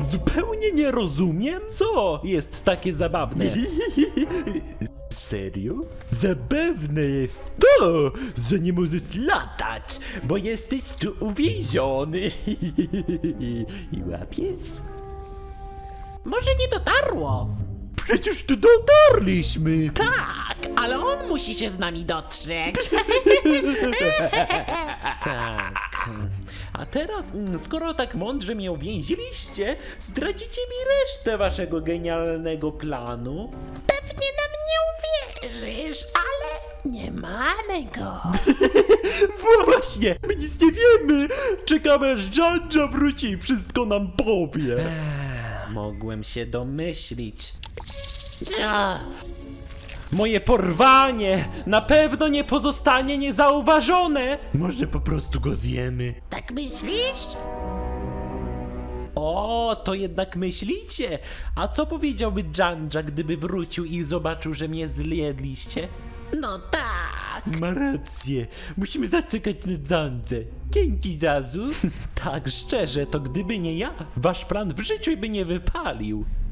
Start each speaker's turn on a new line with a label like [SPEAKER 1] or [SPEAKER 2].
[SPEAKER 1] Zupełnie nie rozumiem, co jest takie zabawne. Serio? Zabawne jest to, że nie możesz latać, bo jesteś tu uwięziony. I łapiesz?
[SPEAKER 2] Może nie dotarło?
[SPEAKER 1] Przecież tu dotarliśmy.
[SPEAKER 2] Tak, ale on musi się z nami dotrzeć.
[SPEAKER 1] Tak. A teraz, skoro tak mądrze mnie uwięziliście, zdradzicie mi resztę waszego genialnego planu?
[SPEAKER 2] Pewnie nam nie uwierzysz, ale nie mamy go.
[SPEAKER 1] Właśnie, my nic nie wiemy. Czekamy aż Jan wróci i wszystko nam powie. Mogłem się domyślić. Moje porwanie na pewno nie pozostanie niezauważone. Może po prostu go zjemy.
[SPEAKER 2] Tak myślisz?
[SPEAKER 1] O, to jednak myślicie? A co powiedziałby Janja, gdyby wrócił i zobaczył, że mnie zjedliście?
[SPEAKER 2] No tak.
[SPEAKER 1] Ma rację. Musimy zaczekać na Jandę. Dzięki, Zazu. Tak, szczerze, to gdyby nie ja, wasz plan w życiu by nie wypalił.